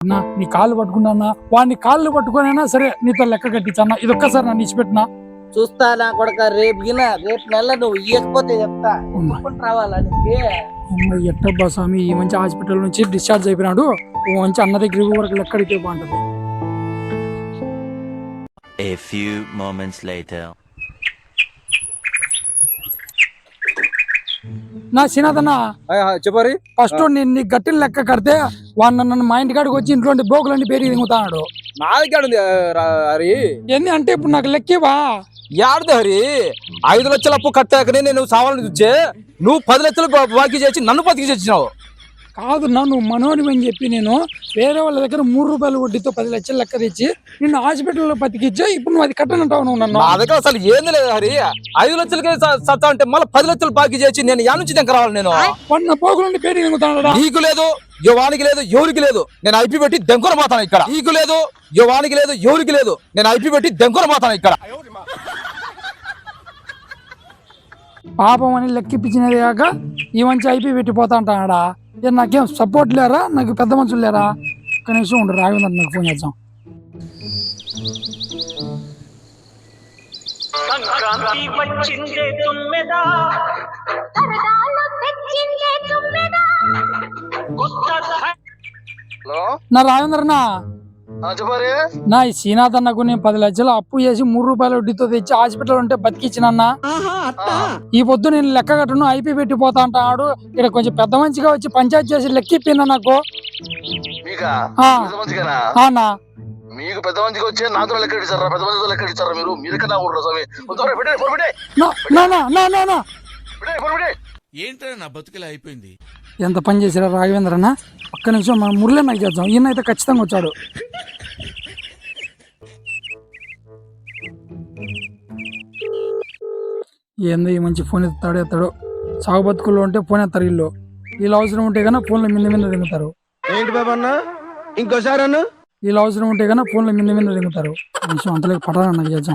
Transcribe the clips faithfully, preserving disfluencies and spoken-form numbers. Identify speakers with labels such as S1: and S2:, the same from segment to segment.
S1: అన్నా నీ కాళ్ళు పట్టుకున్నా వాడిని కాళ్ళు పట్టుకునైనా సరే నీతో లెక్క కట్టించన్నా ఇది ఒక్కసారి నన్ను ఇచ్చిపెట్టినా
S2: చూస్తా నా కొడక రేపు గిన రేపు నెల నువ్వు ఇయ్యకపోతే చెప్తా రావాలని
S1: ఎట్టబ్బా స్వామి ఈ మంచి హాస్పిటల్ నుంచి డిశ్చార్జ్ అయిపోయినాడు మంచి అన్న దగ్గర వరకు లెక్క అడిగితే బాగుంటది.
S3: A few moments later.
S1: నా సినాదన్న
S4: చెప్పారి
S1: ఫస్ట్ నేను నీ గట్టిన లెక్క కడితే వాడు నన్ను మా ఇంటి కాడికి వచ్చి ఇంట్లో బోకులన్నీ పేరు దిగుతాడు.
S4: నా దగ్గర ఉంది హరి.
S1: ఏంది అంటే ఇప్పుడు నాకు లెక్కేవా
S4: యాడది హరి? ఐదు లక్షల అప్పు కట్టాకనే నేను సావాలని చూచే నువ్వు పది లక్షలు బాకీ చేసి నన్ను బతికి చేసినావు.
S1: కాదు నా నువ్వు మనోని అని చెప్పి నేను వేరే వాళ్ళ దగ్గర మూడు రూపాయలు వడ్డీతో పది లక్షలు లెక్క తెచ్చి నిన్ను హాస్పిటల్లో బతికిచ్చా. ఇప్పుడు నువ్వు అది కట్టనంటావు నువ్వు నన్ను.
S4: నా దగ్గర అసలు ఏంది లేదు హరి. ఐదు లక్షలకే సత్తా అంటే మళ్ళీ పది లక్షలు బాకీ చేసి నేను యా నుంచి దగ్గర రావాలి? నేను
S1: పన్న పోగులండి పేరు దిగుతాడా?
S4: నీకు లేదు యువానికి లేదు ఎవరికి లేదు నేను ఐపీ పెట్టి దెంకొన మాతాను ఇక్కడ. నీకు లేదు యువానికి లేదు ఎవరికి లేదు నేను ఐపీ పెట్టి దెంకొన మాతాను ఇక్కడ.
S1: పాపం అని లెక్కిపించినది కాక ఈ మంచి ఐపీ పెట్టిపోతా అంటాడా? నాకేం సపోర్ట్ లేరా? నాకు పెద్ద మనుషులు లేరా? కనీసం ఉండు రాఘవేంద్ర నాకు ఫోన్ చేద్దాం. నా రాఘవేంద్రనా నా ఈ శ్రీనాథ్ అన్నకు నేను పది లక్షలు అప్పు చేసి మూడు రూపాయల వడ్డీతో తెచ్చి హాస్పిటల్ ఉంటే బతికిచ్చినన్నా. ఈ పొద్దు నేను లెక్క కట్టను ఐపీ పెట్టిపోతా అంటాడు. ఇక్కడ కొంచెం పెద్ద మంచిగా వచ్చి పంచాయతీ చేసి లెక్కిపోయినా నాకు.
S5: మీకు పెద్ద మందికి వచ్చే నాతో లెక్క ఇచ్చారా? పెద్ద మందితో లెక్క ఇచ్చారా? మీరు మీరు ఎక్కడ
S6: ఏంటో నా బతుకులా అయిపోయింది.
S1: ఎంత పని చేసిరా రాఘవేంద్రన్న? ఒక్క నిమిషం మన మురళి నాకు చేద్దాం. ఈయన అయితే ఖచ్చితంగా వచ్చాడు. ఏందో ఈ మంచి ఫోన్ ఎత్తాడు ఎత్తాడు. సాగు బతుకుల్లో ఉంటే ఫోన్ ఎత్తారు వీళ్ళు. వీళ్ళు అవసరం ఉంటే కన్నా ఫోన్లో మింద మీద దిగుతారు.
S4: ఏంటి బాబా అన్న ఇంకోసారి అన్న
S1: వీళ్ళు అవసరం ఉంటే కన్నా ఫోన్లో మింద మీద దిగుతారు. కొంచెం అంతలోకి పడాలని నాకు చేద్దాం.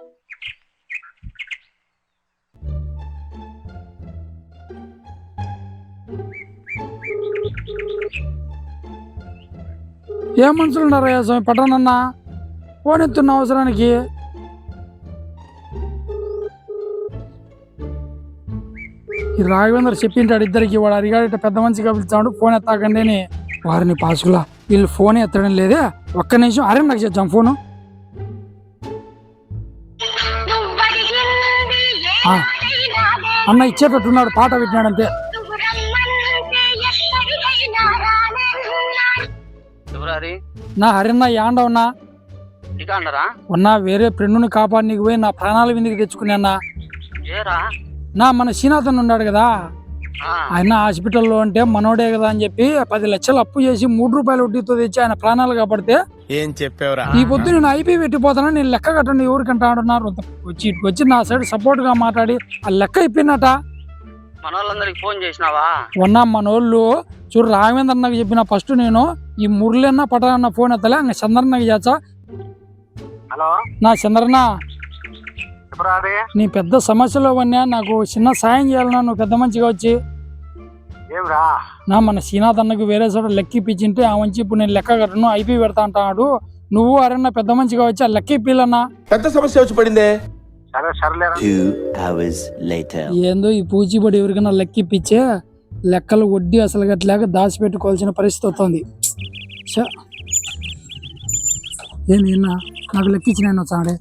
S1: ఏ మనుషులు ఉన్నారయ్యా స్వామి? పట్టానన్నా ఫోన్ ఎత్తున్న అవసరానికి. ఈ రాఘవేంద్ర చెప్పింటాడు ఇద్దరికి, వాడు అడిగాడు పెద్ద మనిషిగా పిలుస్తాడు ఫోన్ ఎత్తాకండి అని. వారిని పాసుకులా వీళ్ళు ఫోన్ ఎత్తడం లేదే. ఒక్క నిమిషం అరే నాకు చేద్దాం ఫోను. అన్న ఇచ్చేటట్టున్నాడు, పాట పెట్టినాడు అంతే. నా హరిన్న యాండ ఉన్నా ఉన్నా వేరే ఫ్రెండ్ని కాపాడి నీకు పోయి నా ప్రాణాల విందుకు తెచ్చుకున్నా. నా మన శ్రీనాథన్ ఉన్నాడు కదా, ఆయన హాస్పిటల్లో అంటే మనోడే కదా అని చెప్పి పది లక్షలు అప్పు చేసి మూడు రూపాయల వడ్డీతో తెచ్చి ఆయన ప్రాణాలు కాపాడితే
S6: ఏం చెప్పావురా?
S1: ఈ పొద్దు నేను ఐపీ పెట్టిపోతాను, నేను లెక్క కట్టండి ఎవరికంటా అంటున్నారు. వచ్చి ఇటు వచ్చి నా సైడ్ సపోర్ట్ గా మాట్లాడి ఆ లెక్క అయిపోయినట.
S2: మనోళ్ళందరికి ఫోన్ చేసినావా?
S1: ఉన్నా మనోళ్ళు చూడు రాఘవేంద్ర నాకు చెప్పిన ఫస్ట్ నేను ఈ మురళి అన్న పటాన్న ఫోన్ ఎత్తలే అంగ చంద్రన్నకి చేచ్చా.
S2: హలో
S1: నా చంద్రన్న నీ పెద్ద సమస్యలో ఉన్నా నాకు చిన్న సాయం చేయాలన్నా నువ్వు పెద్ద మంచిగా వచ్చి. నా మన శ్రీనాథ్ అన్నకు వేరే చోట లెక్క ఇప్పించింటే ఆ మంచి ఇప్పుడు నేను లెక్క కట్టను ఐపీ పెడతా అంటాడు. నువ్వు అరన్నా పెద్ద మంచిగా వచ్చి ఆ లెక్క ఇప్పిల్లన్నా.
S6: పెద్ద సమస్య వచ్చి పడిందే.
S1: ఏందో ఈ పూచిబడి ఎవరికైనా లెక్క ఇప్పించే లెక్కలు వడ్డీ అసలు గట్లేక దాచి పెట్టుకోవాల్సిన పరిస్థితి వస్తుంది. ఏంది నాకు లెక్కించిన వచ్చాడే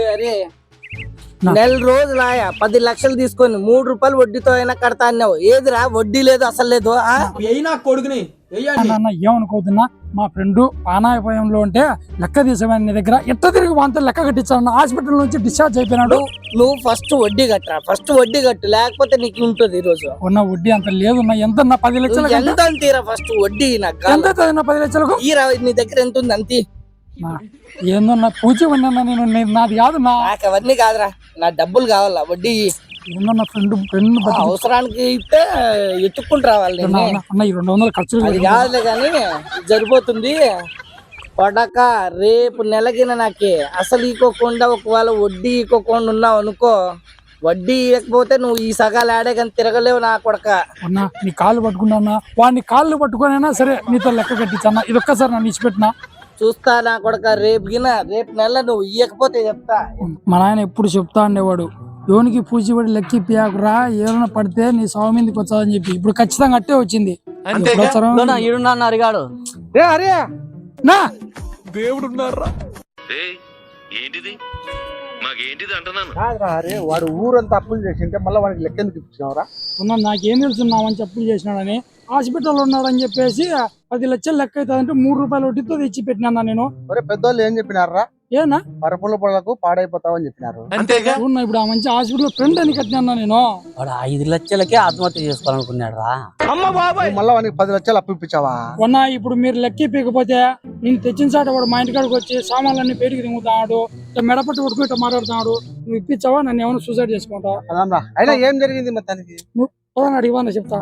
S2: నెల రోజులు ఆయా పది లక్షలు తీసుకొని మూడు రూపాయలు వడ్డీతో అయినా కడతా అన్నావు. ఏదిరా వడ్డీ లేదు అసలు లేదు.
S4: కొడుకుని
S1: ఏమనుకోతున్నా మా ఫ్రెండ్ పానాయపాయంలో ఉంటే లెక్క తీసామని నీ దగ్గర ఎట్ట తిరిగి వాంతో లెక్క కట్టించాను. హాస్పిటల్ నుంచి డిశ్చార్జ్ అయిపోయినాడు.
S2: నువ్వు ఫస్ట్ వడ్డీ కట్టరా, ఫస్ట్ వడ్డీ కట్టు, లేకపోతే నీకు ఉంటుంది ఈ రోజు.
S1: ఉన్న వడ్డీ అంత లేదు ఎంత పది లక్షలు
S2: ఎంత తీరా ఫస్ట్ వడ్డీ నాకు
S1: ఎంత పది లక్షలకు
S2: ఈ నీ దగ్గర ఎంత ఉంది అంతే.
S1: ఏందో నా పూచి ఉన్నా నేను నాది కాదు.
S2: నాకు అవన్నీ కాదురా, నా డబ్బులు కావాలా వడ్డీ.
S1: ఏందో నా ఫ్రెండ్ ఫ్రెండ్
S2: అవసరానికి ఇస్తే ఎత్తుక్కుంటూ రావాలి.
S1: ఈ రెండు వందలు ఖర్చు
S2: అది కాదులే కానీ సరిపోతుంది. పడక రేపు నెలకిన నాకే అసలు ఇకోకుండా ఒకవేళ వడ్డీ ఇకోకుండా ఉన్నావు అనుకో వడ్డీ ఇవ్వకపోతే నువ్వు ఈ సగాలు ఆడే కానీ తిరగలేవు నా కొడక.
S1: అన్నా నీ కాళ్ళు పట్టుకున్నా వాడిని కాళ్ళు పట్టుకునైనా సరే నీతో లెక్క కట్టించన్నా. ఇది ఒక్కసారి నన్ను ఇచ్చిపెట్టినా
S2: చూస్తా నా కొడక. రేపు గిన రేపు నెల నువ్వు ఇవ్వకపోతే చెప్తా.
S1: మా నాయన ఎప్పుడు చెప్తా ఉండేవాడు, యోనికి పూచిపడి లెక్కి పియాకురా ఏమైనా పడితే నీ సాగు మీదకి వచ్చాదని చెప్పి. ఇప్పుడు ఖచ్చితంగా అట్టే వచ్చింది.
S2: అరిగాడు
S1: అరే నా
S6: దేవుడున్నారా?
S5: ఏంటిది మాకేంటిది అంటున్నాను.
S7: అరే వాడు ఊరంతా అప్పులు చేసింటే మళ్ళీ వాడికి లెక్క ఎందుకు ఇప్పించినావురా?
S1: ఉన్నా నాకేం తెలుసున్నామని చెప్పులు చేసినాడని హాస్పిటల్ ఉన్నాడని చెప్పేసి పది లక్షలు లెక్క అవుతుందంటే మూడు రూపాయలు వడ్డీతో తెచ్చి పెట్టినా నేను.
S7: ఒరే పెద్దోళ్ళు ఏం చెప్పినారా?
S1: ఏనా
S7: పరపుల పళ్ళకు పాడైపోతావని చెప్పినారు.
S6: అంతేగా.
S1: ఉన్నా ఇప్పుడు ఆ మంచి హాస్పిటల్ ఫ్రెండ్ అని కట్టినా నేను.
S2: వాడు ఐదు లక్షలకే ఆత్మహత్య చేసుకోవాలనుకున్నాడు రా.
S7: మళ్ళీ వానికి పది లక్షలు అప్పు ఇప్పించావా?
S1: ఉన్నా ఇప్పుడు మీరు లెక్క ఇప్పకపోతే నేను తెచ్చిన సాట వాడు మా ఇంటికాడికి వచ్చి సామాన్లన్నీ పేరుకి తింగుతాడు, మెడపట్టు కొట్టుకు ఇట్లా మాట్లాడుతున్నాడు. నువ్వు ఇప్పించావా? నన్ను ఏమైనా సూసైడ్ చేసుకుంటావు?
S7: అదమ్మా అయినా ఏం జరిగింది మొత్తానికి?
S1: నువ్వు అడిగివా చెప్తా.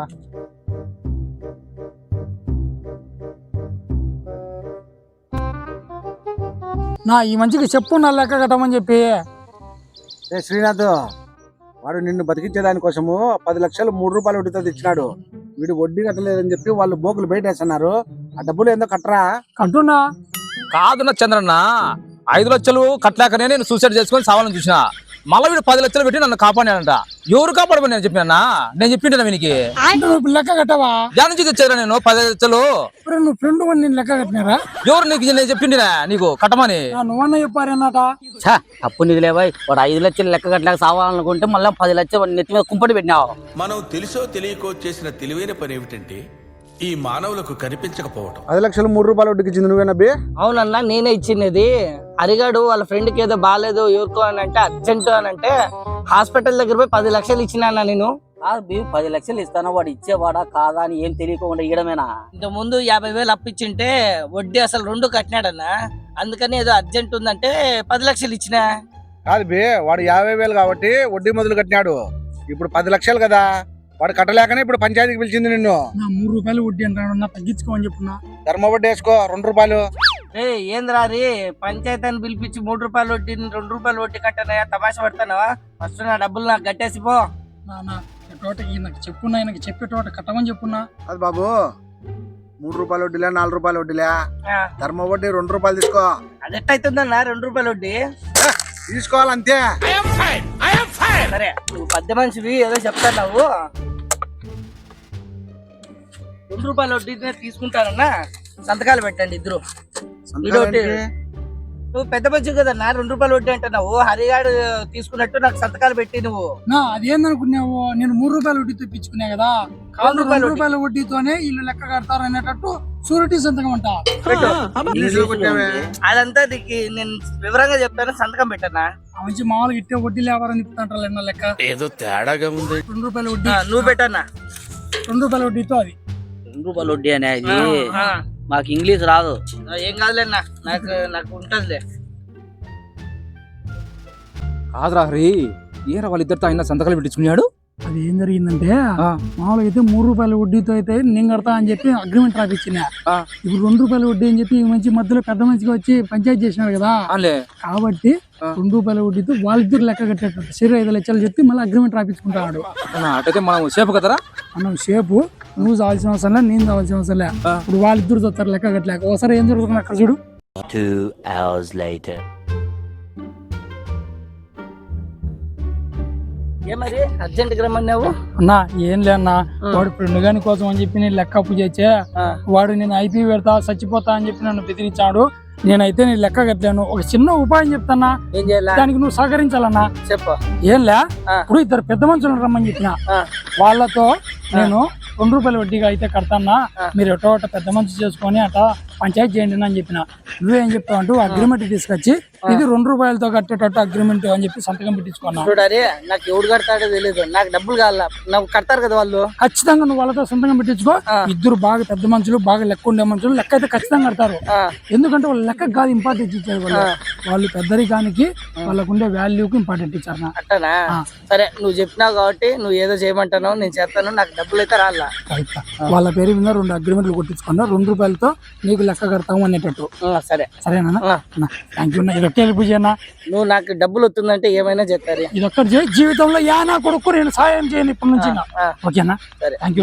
S1: నా ఈ మంచికి చెప్పు నా లెక్క కట్టమని చెప్పి.
S7: ఏ శ్రీనాథ్, వాడు నిన్ను బతికించే దానికోసము పది లక్షలు మూడు రూపాయలు వడ్డీతో తెచ్చినాడు. వీడు వడ్డీ కట్టలేదని చెప్పి వాళ్ళు బోకులు బయట వేస్తున్నారు. ఆ డబ్బులు ఏందో కట్టరా?
S1: కట్టున్నా
S4: కాదున్న చంద్రన్న, ఐదు లక్షలు కట్టలేకనే నేను సూసైడ్ చేసుకొని సావాలని చూసిన. మళ్ళీ వీడు పది లక్షలు పెట్టి నన్ను కాపాడానంట. ఎవరు కాపాడమని నేను చెప్పినా? నేను చెప్పింటా వీనికి.
S1: నువ్వు లెక్క కట్టవా?
S4: దాని నుంచి తెచ్చారా నేను పది లక్షలు?
S1: నువ్వు ఫ్రెండ్ నేను లెక్క కట్టినారా?
S4: ఎవరు నీకు నేను చెప్పిండినా నీకు కట్టమని?
S1: నువ్వన్నా చెప్పారన్నట.
S2: అప్పు నిధులే బాయ్. వాడు ఐదు లక్షలు లెక్క కట్టలేక సావాలనుకుంటే మళ్ళీ పది లక్షలు నెత్తి మీద కుంపటి పెట్టినావు.
S6: మనం తెలుసో తెలియకో చేసిన తెలివైన పని ఏమిటంటే ఈ మానవులకు కనిపించకపోవటం.
S7: పది లక్షలు మూడు రూపాయలు వడ్డీకి ఇచ్చింది నువ్వేనా బి?
S2: అవునన్నా నేనే ఇచ్చినది. అరిగాడు వాళ్ళ ఫ్రెండ్ కి ఏదో బాగాలేదు ఎవరికో అని అంటే అర్జెంట్ అని అంటే హాస్పిటల్ దగ్గర పోయి పది లక్షలు ఇచ్చినా నేను. పది లక్షలు ఇస్తాను వాడు ఇచ్చేవాడా కాదా అని ఏం తెలియకుండా ఇయడమేనా? ఇంత ముందు యాభై వేలు అప్పించింటే వడ్డీ అసలు రెండు కట్టినాడన్నా. అందుకని ఏదో అర్జెంట్ ఉందంటే పది లక్షలు ఇచ్చినా.
S7: కాదు బి, వాడు యాభై వేలు కాబట్టి వడ్డీ మొదలు కట్టినాడు. ఇప్పుడు పది లక్షలు కదా, వాడు కట్టలేకనే ఇప్పుడు పంచాయతీకి పిలిచింది నిన్ను.
S1: నా మూడు రూపాయలు వడ్డీ అంటాడు, తగ్గించుకోమని చెప్పున్నా.
S7: ధర్మ వడ్డీ వేసుకో రెండు రూపాయలు.
S2: ఏ ఏంద్రా రీ, పంచాయతీని పిలిపించి మూడు రూపాయలు వడ్డీ రెండు రూపాయలు వడ్డీ కట్టానయా? తమాషా పడతానవా? ఫస్ట్ నా డబ్బులు నాకు కట్టేసిపో.
S1: నాన్న తోట నాకు చెప్పున్నా, ఆయనకి చెప్పే తోట కట్టమని చెప్పున్నా.
S7: అది బాబు, మూడు రూపాయలు వడ్డీలే నాలుగు రూపాయలు వడ్డీలే, ధర్మ వడ్డీ రెండు రూపాయలు తీసుకో.
S2: అది ఎట్టయితుందన్నా రెండు రూపాయలు వడ్డీ?
S7: తీసుకోవాలంతే.
S2: సరే నువ్వు పెద్ద మనిషివి ఏదో చెప్తావు. రెండు రూపాయల వడ్డీ తీసుకుంటానన్నా, సంతకాలు పెట్టండి ఇద్దరు. నువ్వు పెద్ద మంచి కదన్నా, రెండు రూపాయలు వడ్డీ అంటున్నావు. హరిగాడు తీసుకున్నట్టు నాకు సంతకాలు పెట్టి నువ్వు.
S1: నా అదేందనుకున్నావు? నేను మూడు రూపాయల వడ్డీ తెప్పించుకున్నా కదా, కాదు రెండు రూపాయల వడ్డీతోనే ఇల్లు లెక్క కడతారు అనేటట్టు షూరిటీ సంతకం అంట.
S2: అదంతా నీకు నేను వివరంగా చెప్తాను, సంతకం పెట్టన్నా.
S1: మంచి మామూలుగా ఇట్టే వడ్డీ లేవాలని చెప్తాంటారు లెక్క.
S6: ఏదో తేడాగా ఉంది.
S1: రెండు రూపాయల వడ్డీ
S2: నువ్వు పెట్టన్నా.
S1: రెండు రూపాయల వడ్డీతో అది
S2: రెండు రూపాయల వడ్డీ అనేది మాకు ఇంగ్లీష్ రాదు. ఏం కాదులేనా, నాకు నాకు ఉంటదిలే.
S4: కాదురా హరి, ఏరా వాళ్ళిద్దరితో ఆయన సంతకాలు పెట్టించుకున్నాడు.
S1: అది ఏం జరిగిందంటే మామూలుగా అయితే మూడు రూపాయల వడ్డీతో అయితే నేను కడతా అని చెప్పి అగ్రిమెంట్ రాపిచ్చిన. ఇప్పుడు రెండు రూపాయల వడ్డీ అని చెప్పి ఈ మంచి మధ్యలో పెద్ద మంచిగా వచ్చి పంచాయతీ చేసినాడు కదా, కాబట్టి రెండు రూపాయల వడ్డీతో వాళ్ళిద్దరు లెక్క కట్టేటట్టు సరే ఐదు లక్షలు చెప్పి మళ్ళీ అగ్రిమెంట్ రాపించుకుంటాడు.
S4: అటైతే మనం సేపు కదరా?
S1: మనం సేపు నువ్వు చావాల్సిన అవసరం లే, నేను చావాల్సిన అవసరం లే. ఇప్పుడు వాళ్ళిద్దరు చూస్తారు లెక్క కట్టలేక. ఒకసారి ఏం జరుగుతుంది అక్కడ చూడు.
S3: Two hours later.
S2: ఏమరి అర్జెంట్ గా రమ్మన్నావు?
S1: అన్నా ఏం లే అన్నా, వాడు ఫ్రెండ్ గాని కోసం అని చెప్పి నేను లెక్క అప్పు చేసే వాడు నేను ఐపీ పెడతా చచ్చిపోతా అని చెప్పి నన్ను బెదిరించాడు. నేనైతే నేను లెక్క కట్టలేను. ఒక చిన్న ఉపాయం చెప్తానా,
S2: ఏం చేయాలి?
S1: దానికి నువ్వు సహకరించాలన్నా.
S2: చెప్పు.
S1: ఏం లే, ఇప్పుడు ఇద్దరు పెద్ద మనుషులు రమ్మని చెప్పిన వాళ్ళతో నేను రెండు రూపాయల వడ్డీగా అయితే కడతానా, మీరు ఎటో అట పెద్ద మనిషి చేసుకొని అట పంచాయతీ చేయండి అని చెప్పిన. నువ్వేం చెప్తావు అంటూ అగ్రిమెంట్ తీసుకొచ్చి ఇది రెండు రూపాయలతో కట్టేటట్టు అగ్రిమెంట్ అని చెప్పి సంతకం పెట్టించుకున్నా.
S2: చూడాలి, నాకు ఎవడు కడతాడో తెలియదు, నాకు డబ్బులు కావాలా. నాకు కడతారు కదా వాళ్ళు,
S1: ఖచ్చితంగా నువ్వు వాళ్ళతో సంతకం పెట్టించుకో. ఇద్దరు బాగా పెద్ద మనుషులు, బాగా లెక్క ఉండే మనుషులు, లెక్క అయితే ఖచ్చితంగా కడతారు. ఎందుకంటే వాళ్ళు లెక్క కాదు ఇంపార్టెంట్ ఇచ్చారు వాళ్ళు. వాళ్ళు పెద్దరికానికి వాళ్ళకు ఉండే వాల్యూకి ఇంపార్టెంట్ ఇచ్చారు.
S2: అట్టనా? సరే నువ్వు చెప్పినావు కాబట్టి నువ్వు ఏదో చేయమంటావు, నేను చేస్తాను. నాకు డబ్బులు అయితే రాలా.
S1: వాళ్ళ పేరు మీద రెండు అగ్రిమెంట్లు కొట్టించుకున్నా, రెండు రూపాయలతో నీకు లెక్క కడతాము అనేటట్టు.
S2: సరే
S1: సరేనా? Thank you. ఒక్క హెల్ప్ చేయనా?
S2: నువ్వు నాకు డబ్బులు వస్తుందంటే ఏమైనా చెప్తారు.
S1: ఇది ఒక్కటి చేయి, జీవితంలో యా నా కొడుకు నేను సాయం చేయను ఇప్పటి నుంచి.
S2: ఆ,
S1: ఓకేనా?
S2: సరే
S1: థ్యాంక్ యూ.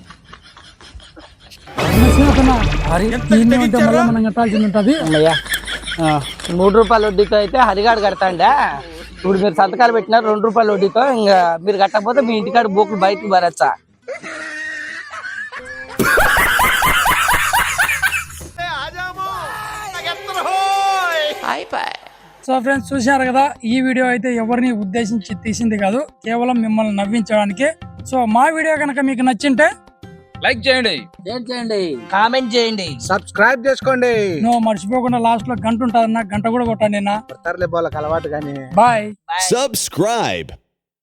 S1: మనం కట్టాల్సింది ఉంటుంది.
S2: అమ్మయ్యా, ఆ, మూడు రూపాయల వడ్డీతో అయితే హరిగాడు కడతాండా. ఇప్పుడు మీరు సంతకాలు పెట్టినారు రెండు రూపాయల వడ్డీతో. ఇంకా మీరు కట్టకపోతే మీ ఇంటికాడ బోకులు బయటకు పరచ్చా.
S1: సో ఫ్రెండ్స్, చూశారు కదా, ఈ వీడియో అయితే ఎవరిని ఉద్దేశించి తీసింది కాదు, కేవలం మిమ్మల్ని నవ్వించడానికి. సో మా వీడియో కనుక మీకు నచ్చింటే
S4: లైక్ చేయండి,
S2: షేర్ చేయండి, కామెంట్ చేయండి,
S7: సబ్స్క్రైబ్ చేసుకోండి.
S1: నువ్వు మర్చిపోకుండా లాస్ట్ లో గంట ఉంటుంది, గంట కూడా కొట్టండి.
S7: తరలే బోళ్ళకి అలవాటు కానీ.
S1: బాయ్.
S8: Subscribe.